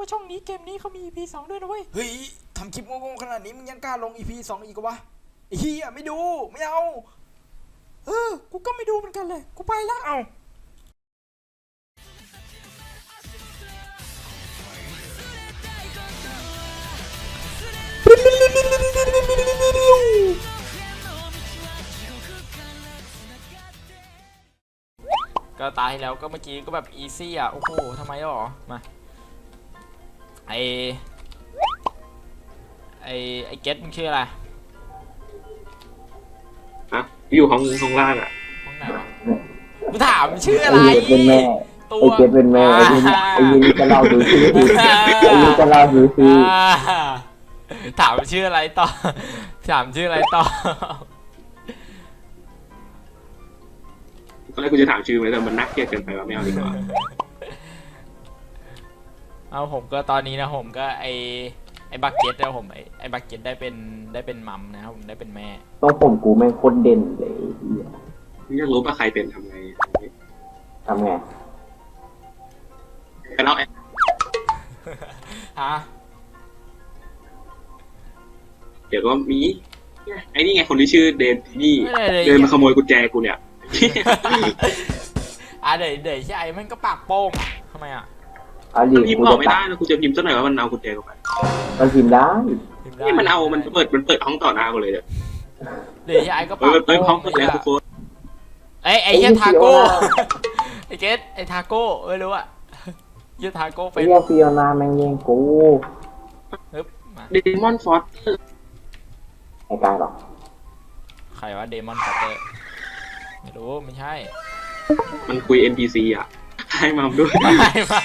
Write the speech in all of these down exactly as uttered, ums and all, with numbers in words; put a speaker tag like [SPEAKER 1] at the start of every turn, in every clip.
[SPEAKER 1] ว่าช่องนี้เกมนี้เขามี อี พี สองด้วยนะเว้ยเฮ้ยทำคลิปโง่ๆขนาดนี้มึงยังกล้าลง อี พี สองอีกวะไอ้เหี้ยไม่ดูไม่เอาเออกูก็ไม่ดูเหมือนกันเลยกูไปแล้วเอาก็ตายแล้วก็เมื่อกี้ก็แบบอีซี่อ่ะโอ้โหทำไมหรอมาไอไอไอเก็ตมึงชื่ออะไร
[SPEAKER 2] ฮะอยู่ห้องห้องล่างอ่ะ
[SPEAKER 1] ห้องไหนวะกูถามชื่ออะไร
[SPEAKER 3] เป็นแม่
[SPEAKER 1] ตัว
[SPEAKER 3] ไอเจ็ดเป็นแม่ไอยินไอยินจะเล่าดูชื่อไอยินจะเล่าดูชื่อ
[SPEAKER 1] ถามชื่ออะไรต่อถามชื่ออะไรต่อ
[SPEAKER 2] ตอนแรกกูจะถามชื่อไหมแต่มันนักเกลียดเกินไปว่าไม่เอาดีกว่า
[SPEAKER 1] เอาผมก็ตอนนี้นะผมก็ไอไอบักเก็ตแล้วผมไอไอบักเก็ตได้เป็นได้เป็นมัมนะครับผมได้เป็นแม่
[SPEAKER 3] ต้องผมกูแม่งคนเด่นเลย
[SPEAKER 2] มึงอยากรู้ว่าใครเป็นทำไง
[SPEAKER 3] ทำไง
[SPEAKER 2] กันเอา
[SPEAKER 1] ฮะ
[SPEAKER 2] เดี๋ยวก็มีไอ้นี่ไงคนที่ชื่อเดนนี่เดินมาขโมยกุญแจกูเนี่ย
[SPEAKER 1] อ่ะเดี๋ยวเดี๋ยวใช่มันก็ปากโป้งทำไมอ่ะ
[SPEAKER 2] พิมพ์บอกไม่ได้นะกูจะพิมพ์ซะหน่อยว่ามันเอากุญแจกูไป
[SPEAKER 3] มันพิมพ์ได้
[SPEAKER 2] นี่มันเอามันเปิดมันเปิดห้องต่อหน้ากูเลยเดี๋ยว
[SPEAKER 1] เดี๋ยวใช่ก็ปากโป้ง
[SPEAKER 2] เปิดห้องเปิดแล้วทุกคน
[SPEAKER 1] ไอไอเฮียทาโก้ไอเกตไอทาโก้ไม่รู้อ่ะเฮียทาโก้ไป
[SPEAKER 3] เฮียฟิโอนาแม่งยิงกู
[SPEAKER 2] เดมอนฟอส
[SPEAKER 3] ไอ้กายหรอ
[SPEAKER 1] ใครวะเดมอนฟอสเตอร์ไม่รู้ไม่ใช่
[SPEAKER 2] มันคุย เอ็น พี ซี อ่ะให้มาด้วย
[SPEAKER 1] ให้มา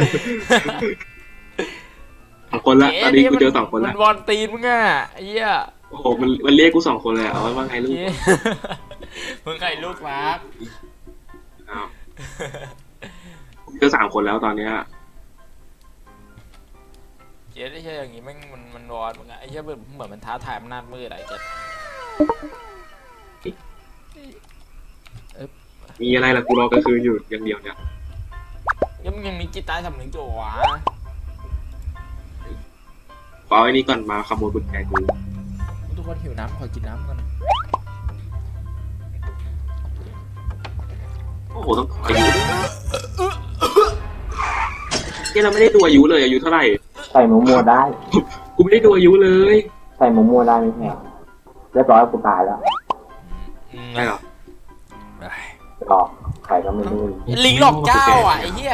[SPEAKER 2] สองคนละตอนนี้กูเจอสองคนละ
[SPEAKER 1] มันวอนตีนมึงอ่ะไอ้เหี้ย
[SPEAKER 2] โอ้โหมันมันเรียกกูสองคนเลยเอาว่าไงลูก
[SPEAKER 1] มึงใครลูกรัก
[SPEAKER 2] อ้าวเจอสามคนแล้วตอนเนี้ย
[SPEAKER 1] เจ๊ได้ใช่อย่างงี้แม่งมันมันวอนมึงอ่ะไอ้เหี้ยเหมือนเหมือนมันท้าทายอำนาจมืดอะไรเจ๊
[SPEAKER 2] มีอะไรล่ะกูรอกลางคืนอยู่อย่างเดียวเนี่ย
[SPEAKER 1] ยังยังมีจิตใต้สำนึกอยู่วะ
[SPEAKER 2] เอาไอ้นี่ก่อนมาขโมยกุญแจกู
[SPEAKER 1] ทุกคนหิวน้ำขอกินน้ำก่อน
[SPEAKER 2] โอ้โหต้องอายุที่เราไม่ได้ดูอายุเลยอายุเท่าไหร่
[SPEAKER 3] ใส่หมูมัวได้
[SPEAKER 2] กูไม่ได้ดูอายุเลย
[SPEAKER 3] ใส่หมูมัวได้ไม่แพงเรียบร้อยกูตายแล้ว
[SPEAKER 2] ใช่หรอ
[SPEAKER 3] หลอกใครก็ไม่รู้
[SPEAKER 1] ลิงหลอกเจ้าอ่ะไอ้เหี้ย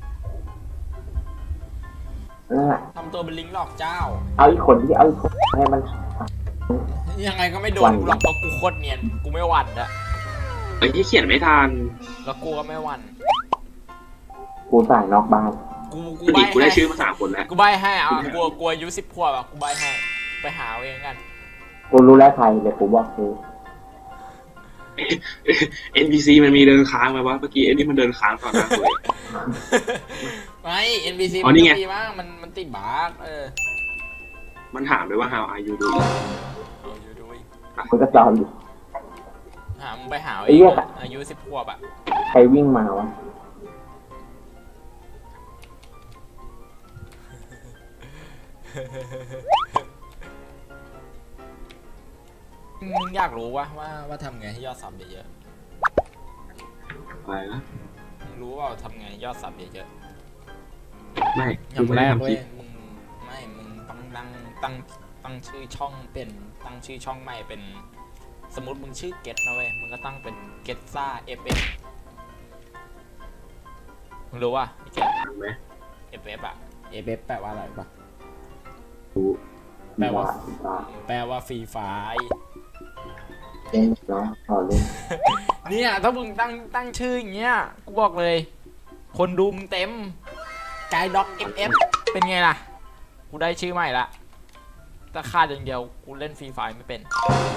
[SPEAKER 1] ทำตัวเป็นลิงหลอกเจ้า
[SPEAKER 3] เอาอีกคนที่เอาอีกคนให้มัน
[SPEAKER 1] ยังไงก็ไม่โดนหลอกเพราะกูโคตรเนียนกูไม่หวั่นอะ
[SPEAKER 2] ไอ้ที่เขียนไม่ทัน
[SPEAKER 1] แล้วกูก็ไม่หวั่น
[SPEAKER 3] กูใส่นอกบ้าน
[SPEAKER 1] กูกู
[SPEAKER 2] ใบกูได้ชื่อมาสามคนแล้ว
[SPEAKER 1] กูใบให้อ่ะกูกูอายุสิบขวบอ่ะกูใบให้ไปหาเองกัน
[SPEAKER 3] กูรู้แล้วใครเดี๋ยวกูบอกคือ
[SPEAKER 2] เอ็น พี ซี มันมีเดินค้างไหมวะเมื่อกี้เอ็นนี่มันเดินค้างตอนนั้นเลย
[SPEAKER 1] ไม่ เอ็น พี ซี
[SPEAKER 2] มัน
[SPEAKER 1] ดีมากมันมันติดบั๊กเออ
[SPEAKER 2] มันถามเลยว่า how are you doing
[SPEAKER 1] how are you doing
[SPEAKER 3] มันก็จำอยู่
[SPEAKER 1] หามึงไปหาเองอายุสิบขวบอ่ะ
[SPEAKER 3] ใครวิ่งมาวะ
[SPEAKER 1] มึงอยากรู้ว่าว่าว่าทำไงให้ยอดซับเยอะ
[SPEAKER 2] ๆอะไรนะ
[SPEAKER 1] มึงรู้ว่าทำไงยอดซับเยอะ
[SPEAKER 2] ๆไม่
[SPEAKER 1] อย่างแรกเว้ยมึงไม่มึงต้องตั้งตั้งตั้งชื่อช่องเป็นตั้งชื่อช่องใหม่เป็นสมมติมึงชื่อเก็ตนะเว้ยมึงก็ตั้งเป็นเก็ตซ่าเอฟเอฟมึงรู้ว่าไอ้เก็ต
[SPEAKER 2] ไหม
[SPEAKER 1] เอฟเอฟอะเอฟเอฟแปลว่าอะไรปะ
[SPEAKER 2] รู้
[SPEAKER 1] แปลว่าแปลว่าฟรีไฟ
[SPEAKER 3] เล่นเนาะต่อเล่น
[SPEAKER 1] เนี่ยถ้ามึงตั้งตั้งชื่ออย่างเงี้ยกูบอกเลยคนดูมึงเต็มกายด็อกเอฟเอฟเป็นไงล่ะกูได้ชื่อใหม่ละแต่ขาดอย่างเดียวกูเล่นฟรีไฟไม่เป็น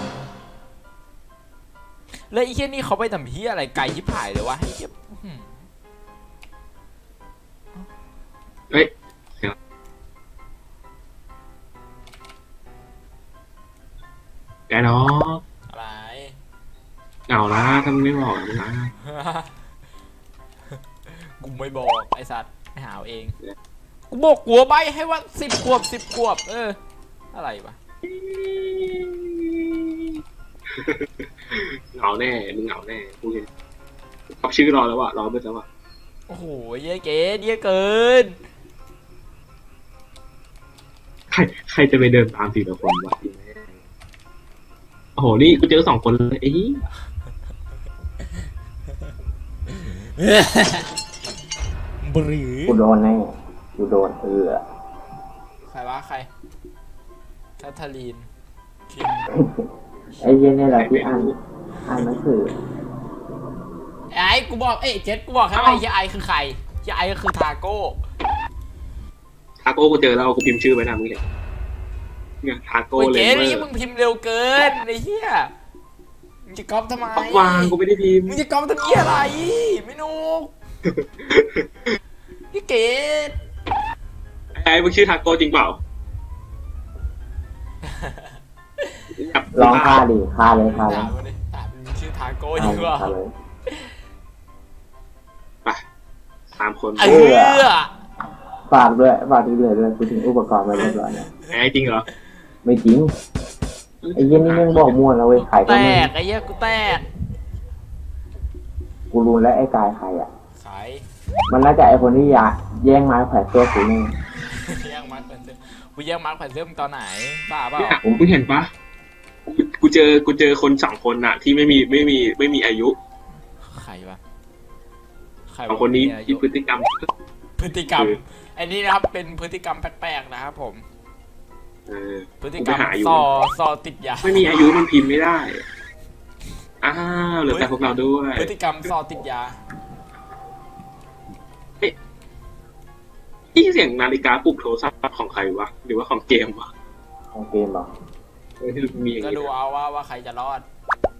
[SPEAKER 1] แล้วไอ้เหี้ยนี่เขาไปทำเหี้ยอะไรไกลยิบหายเลยวะไอ้เหี้ย
[SPEAKER 2] เฮ้ยแกเนาะ
[SPEAKER 1] อะไร
[SPEAKER 2] เอาละถ้ามึงไม่บอกมึงนะ
[SPEAKER 1] กูไม่บอกไอ้สัตว์ไปหาเองกูบอกกลัวใบให้ว่าสิบขวบสิบขวบเอออะไรวะ
[SPEAKER 2] เหงาแน่มึงเหงาแน่กูเห็นขับชื่อรอแล้วอะรอไปแล้วอะ
[SPEAKER 1] โอ้โหเยอะเก๋เยอะเกิน
[SPEAKER 2] ใครใครจะไปเดินตามสี่ละคนวะโอ้โหนี่กูเจอสองคนเลยไอ้นี่
[SPEAKER 1] บรือ
[SPEAKER 3] กูโดนแน่กูโดนเออ
[SPEAKER 1] ใครวะใครแคทเธอรีนคิม
[SPEAKER 3] ไอ้เหี้ยนี่แหละที่อ่านอ่านหนังสือ
[SPEAKER 1] ไอ้กูบอกเอ้ยเจ็ดกูบอกให้ว่าไอ้เหี้ยไอคือใครเหี้ยไอก็คือทาโก้
[SPEAKER 2] ทาโก้กูเจอแล้วกูพิมพ์ชื่อไว้นะมึงเห็นเนี่ยทาโก้
[SPEAKER 1] โอ้ย
[SPEAKER 2] เล
[SPEAKER 1] เจ๊
[SPEAKER 2] ยเวอ
[SPEAKER 1] นี่
[SPEAKER 2] ร์
[SPEAKER 1] มึงพิมพ์เร็วเกินไอ้เหี้ยมึงจะก๊อปทำไม
[SPEAKER 2] ปักวางกูไม่ได้พิมพ์
[SPEAKER 1] มึงจะก๊อปทำเหี้ยอะไรไม่นุกพี่เกด
[SPEAKER 2] ไอ้มึงชื่อทาโก้จริงเปล่า
[SPEAKER 3] ลองฆ่าดิฆ่าเลยฆ่าเล
[SPEAKER 1] ถาย มมาดิถามมึงชื่อทาโก้จ
[SPEAKER 3] ฆ่า
[SPEAKER 1] ริง
[SPEAKER 3] เลย
[SPEAKER 1] เปล่า
[SPEAKER 3] ฆ่าเลย
[SPEAKER 2] ไปสามคน
[SPEAKER 1] เออ
[SPEAKER 3] ฝากด้วยฝากที่เหลือด้วยกูถึงอุปกรณ์มาเรียบร้อยแล้ว
[SPEAKER 2] ไอ้จริงเหรอ
[SPEAKER 3] ไม่จริงไอ้เหี้ยนี่มึงบอกมั่วแล้วเว้ยขาย
[SPEAKER 1] แต
[SPEAKER 3] ก็ไม่
[SPEAKER 1] กไอ้เหี้ยกูแตก
[SPEAKER 3] กูรู้แล้วไอ้กายใครอ่ะ
[SPEAKER 1] ขาย
[SPEAKER 3] มันน่าจะไอ้คนที่อยากแย่งไม้แขวนเสื้อกูนี่
[SPEAKER 1] แย่งมาร์คแผ่นเสื้อกูแย่งมาร์คแผ่นเสื้อมึงตอนไหนบ้าเปล่า
[SPEAKER 2] เนี่ยผมเพิ่งเห็นปะกูกูเจอกูเจอคนสองคนน่ะ ที่ไม่มีไม่มีไม่มีอายุ
[SPEAKER 1] ใครวะใคร
[SPEAKER 2] สอง
[SPEAKER 1] วะ
[SPEAKER 2] คนนี้
[SPEAKER 1] มีอา
[SPEAKER 2] ที่
[SPEAKER 1] ยุ
[SPEAKER 2] พฤติกรรม
[SPEAKER 1] พฤติกรรม
[SPEAKER 2] คือ
[SPEAKER 1] อันนี้นะครับเป็นพฤติกรรมแปลกๆนะครับผม
[SPEAKER 2] เออ
[SPEAKER 1] พฤติกรรม
[SPEAKER 2] กูไปหาอยู่
[SPEAKER 1] ซอซอติดยา
[SPEAKER 2] ไม่มีอายุมันพิมพ์ไม่ได้อ้าวเหลือแต่พวกเราด้วย
[SPEAKER 1] พฤติกรรมซอติดยา
[SPEAKER 2] ที่เสียงนาฬิกาปลุกโทรศัพท์ของใครวะหรือว่าของเกมวะ
[SPEAKER 3] ของเกมเหรอ
[SPEAKER 2] เออที่มีอย่าง
[SPEAKER 1] ก็
[SPEAKER 2] นี้
[SPEAKER 1] ดูเอาว่าว่าใครจะรอด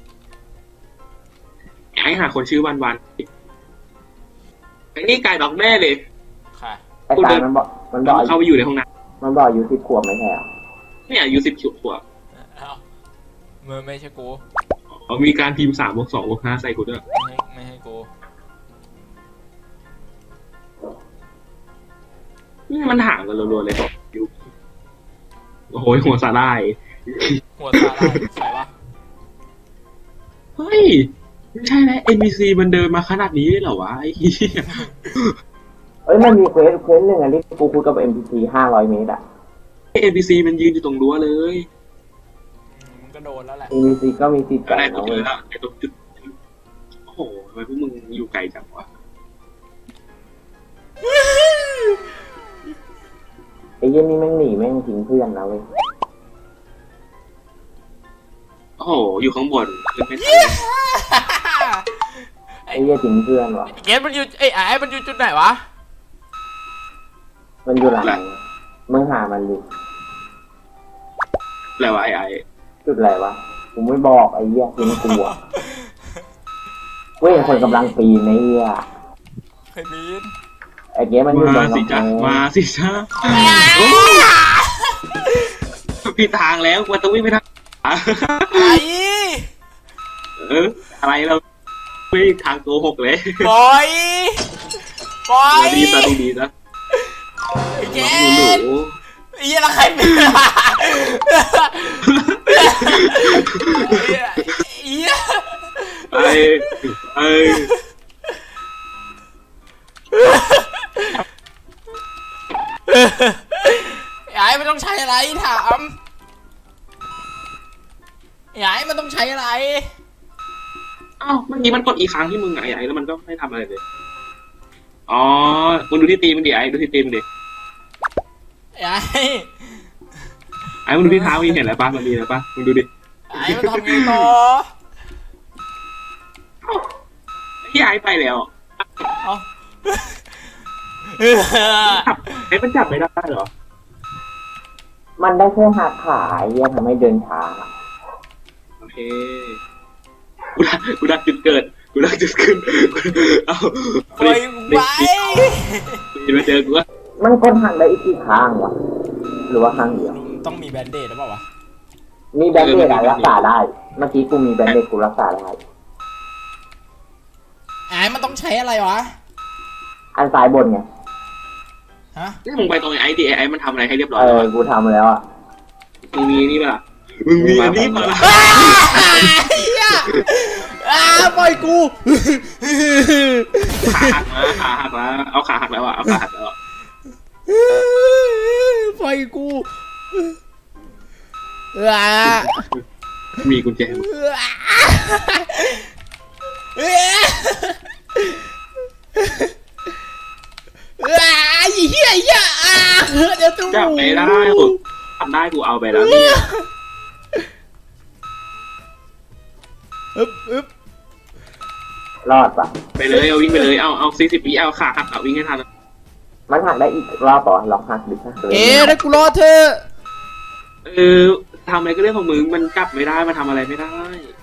[SPEAKER 2] ไอ้หาคนชื่อวันวันไอ้นี่กายดอกแม่เลย
[SPEAKER 1] ค่ะ
[SPEAKER 3] ไอ้กายมันบอกมันบอก
[SPEAKER 2] เข้าไปอยู่ในห้องน้
[SPEAKER 3] มันบอกอายุสิบขวบไม่ใช่เหรอ
[SPEAKER 2] ำเนี่ยอายุสิบขวบ
[SPEAKER 1] เอ้ามือไม่ใช่กู
[SPEAKER 2] เขามีการพิมพ์สามบวกสองบวกห้าใส่กูด้วย
[SPEAKER 1] ไม่ให้ไม่ให้กู
[SPEAKER 2] นี่มันห่างกันรัวๆเลยบอกยุโอ้โหหัวสาลาย
[SPEAKER 1] หัวซาร่าใครวะ
[SPEAKER 2] เฮ้ยไม่ใช่แล้ว เอ็น พี ซี มันเดินมาขนาดนี้เลยเหรอวะไอ้เหี้ย
[SPEAKER 3] เอ้ยมันมีเควสเควสหนึ่งอันที่กูคุยกับ เอ็ม พี ซี ห้าร้อยเมตรอ่ะ
[SPEAKER 2] เอ็น พี ซี มันยืนอยู่ตรงรั้วเลย
[SPEAKER 1] มึงก็โดนแล้วแหละ
[SPEAKER 3] เอ็ม พี ซี ก็มีสิทธิ์
[SPEAKER 2] ก็
[SPEAKER 3] ไก่
[SPEAKER 2] ได้กู
[SPEAKER 3] นะ
[SPEAKER 2] เจ
[SPEAKER 3] เว้
[SPEAKER 2] อย แล้วไอ้ตรงจุดโอ้โหทำไมพวกมึงอยู่ไกลจังวะ
[SPEAKER 3] ไอ้เหี้ยนี่แม่งหนีแม่งทิ้งเพื่อนนะเว้ย
[SPEAKER 2] โอ้โหอยู่ข้างบนขึ้นไม่ทัน
[SPEAKER 3] ไอ้เหี้ยทิ้งเพื่อนวะ
[SPEAKER 1] เกมมันอยู่เอ้ยไอ้มันอยู่จุดไหนวะ
[SPEAKER 3] มันอยู่หลังไหนมึงหามันดิ
[SPEAKER 2] แล้วะไอ้ไอ้
[SPEAKER 3] จุดอะไรวะกูไม่บอกไอ้เหี้ยทิ้งกูอ่ะเว้ยคนกำลังปีนไอ้เหี้ย
[SPEAKER 1] เคยมีน
[SPEAKER 3] ไอ้เหี้ยมันอยู่ตร
[SPEAKER 2] มาง สิจ้ะ
[SPEAKER 3] กำแพง
[SPEAKER 2] มาสิจ้ะโอ้ผิดทางแล้วกูต้องวิ่งไปทาง
[SPEAKER 1] ไอ้
[SPEAKER 2] เอออะไรเราไม่ทางโกหกเลย
[SPEAKER 1] บอยบอย
[SPEAKER 2] ดีซะดีดีซะ
[SPEAKER 1] ไอ้เก
[SPEAKER 2] หนูหนู
[SPEAKER 1] มไอ้เหี้ยแล้วใครเป็นไอ้เหี้ย
[SPEAKER 2] ไอ้ไอ้
[SPEAKER 1] ไอ้มันต้องใช้อะไรถามไอ้มันต้องใช้อะไร
[SPEAKER 2] อ้าวเมื่อกี้มันกดอีกครั้งที่มึงไงไอ้แล้วมันก็ไม่ทำอะไรเลยอ๋อมึงดูที่ตีมันดิไอ้ดูที่ตีมันดิ
[SPEAKER 1] ไอ้
[SPEAKER 2] ไอ้มึงดูที่เท้ามึงเห็นอะไรปะมันมีอะไรปะมึงดูดิ
[SPEAKER 1] ไอ้มันทำไงต่อ
[SPEAKER 2] พี่ไอ้ไปแล้ว
[SPEAKER 1] เอา
[SPEAKER 2] ไอ้มันจับไม่ได้เหรอ
[SPEAKER 3] มันได้แค่หักขาไอ้เหี้ยทำให้เดินช้า
[SPEAKER 2] โอเคกูดักกูดักจุดเกิดกูดักจุดขึ้นเอา
[SPEAKER 1] ปล่อยไว้
[SPEAKER 2] จะมาเจอกูว่า
[SPEAKER 3] มันกดหักได้อีกกี่ข้างวะหรือว่าข้างเดียว
[SPEAKER 1] ต้องมีแบนเดดหรือเปล่าวะ
[SPEAKER 3] มีแบนเดดอะรักษาได้ เมื่อกี้กูมีแบนเดดกูรักษาได้
[SPEAKER 1] ไอ้มันต้องใช้อะไรวะ
[SPEAKER 3] อันซ้ายบนไง
[SPEAKER 1] ฮะ
[SPEAKER 2] นี่มึงไปตรงไอ้ดีไอ้มันทำอะไรให้เรียบร้อ
[SPEAKER 3] เอย
[SPEAKER 2] แล้ว
[SPEAKER 3] อ
[SPEAKER 2] อะ
[SPEAKER 3] กูทำแล้วอ่ะ
[SPEAKER 2] มึงมีนี่ป่ะมึงมีอันนี้ป่ะ
[SPEAKER 1] อ้าปล่อยกู
[SPEAKER 2] ขาหักนะขาหักแล้วเอาขาหักแล้วอ่ะเอาขาหักแล้วอะ
[SPEAKER 1] ปล่อยกูอ้า
[SPEAKER 2] มีกุญแจ
[SPEAKER 1] อ้าไอ้เหี้ยไอ้เหี้ยอ่าเดี๋ยวตู้
[SPEAKER 2] จับไม่ได้กูทำได้กูเอาไปแล้วเนี่ย
[SPEAKER 1] อึ๊บอึ๊บ
[SPEAKER 3] รอดปะ
[SPEAKER 2] ไปเลยเอาวิ่งไปเลยเอาเอาสี่สิบวิเอาขาหักเอาวิ่งให้ทัน
[SPEAKER 3] มันหักได้อีกรอบป่ะลองหักดิค่ะ
[SPEAKER 1] เอ๊ะถ้ากูรอเธอ
[SPEAKER 2] เออทำอะไรก็เรื่องของมึงมันจับไม่ได้มันทำอะไรไม่ได้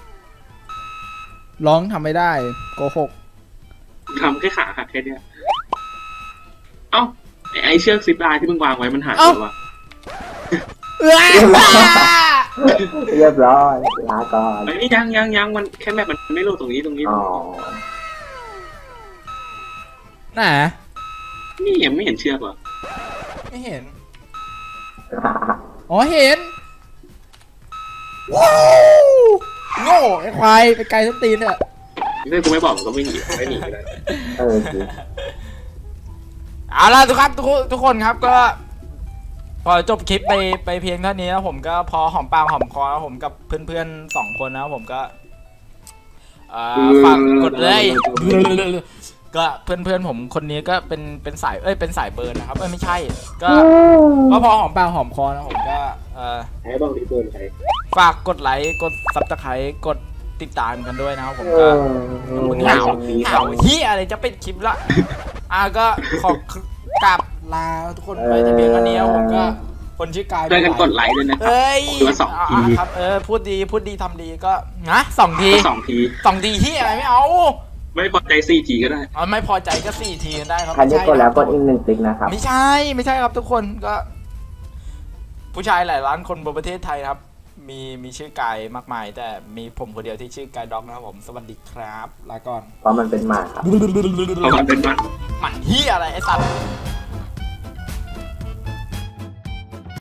[SPEAKER 1] ร้องทำไม่ได้โกหก
[SPEAKER 2] ทำแค่ขาหักแค่เนี้ยเอ้าไอ้ไอ้เชือกซิปไลน์ที่มึงวางไว้มันหายไปวะ
[SPEAKER 3] เรียบร้อยลาก่อน
[SPEAKER 2] ไอ้นี่ยังยังยังมันแค่แบบมันไม่โหลดตรงนี้ตรงนี้
[SPEAKER 3] อ๋อ
[SPEAKER 1] น่ะ
[SPEAKER 2] นี่ยังไม่เห็นเชือกเหรอ
[SPEAKER 1] ไม่เห็น อ๋อเห็นว้าวโง่ไอ้ควายไปไกลส้นตีนเนี่ย
[SPEAKER 2] ถ้ากูไม่บอกมันก็ไม่หนีไม่หนีก็ได้
[SPEAKER 3] เออจริง
[SPEAKER 1] เอาล่ะทุกครับทุกคนทุกคนครับก็ พอจบคลิปไปไปเพียงเท่านี้แล้วผมก็พอหอมปากหอมคอแล้วผมกับเพื่อนๆสองคนนะผมก็เอ่อฝากกดเลยก็เพื่อนๆผมคนนี้ก็เป็นเป็นสายเอ้ยเป็นสายเบิร์นนะครับเอ้ยไม่ใช่ ก็ก็พอหอมปากหอมคอนะผมก็เอ่อ
[SPEAKER 2] ใช้บ้างที่เบิร์นใช้
[SPEAKER 1] ฝากกดไลค์กดซับสไครต์กดติดตามกันด้วยนะครับผม
[SPEAKER 3] เอ
[SPEAKER 1] ก็
[SPEAKER 3] อ
[SPEAKER 1] มึงหาวหาวเฮียอะไรจะเป็นคลิปละอ่ะก็ขอกราบลาทุกคนไปแต่เพียงเท่านี้ครับผมก็คนชื่อกาย
[SPEAKER 2] ช่วยกันกดไลค์ด้วยนะครับ
[SPEAKER 1] เอ้ย
[SPEAKER 2] คนละสองที
[SPEAKER 1] อ่ะครับเออพูดดีพูดดีทำดีก็นะสองที
[SPEAKER 2] สองที
[SPEAKER 1] สองทีเฮียอะไรไม่เอา
[SPEAKER 2] ไม่พอใจสี่ทีก็ได้
[SPEAKER 1] เอาไม่พอใจก็สี่ทีได้ครับ
[SPEAKER 3] ใครได้กดแล้วกด
[SPEAKER 1] ไม่
[SPEAKER 3] อีกหนึ่งติ๊กนะครับ
[SPEAKER 1] ไม่ใช่ไม่ใช่ครับทุกคนก็ ผู้ชายหลายล้านคนบนประเทศไทยครับ มีมีชื่อกายมากมาย แต่มีผมคนเดียวที่ชื่อกายด็อกนะครับผมสวัสดีครับลาก่อน
[SPEAKER 3] เพราะมันเป็นหมาครับ
[SPEAKER 2] เพราะมันเป็นมัน
[SPEAKER 1] หมันเฮียอะไรไอ้สัตว์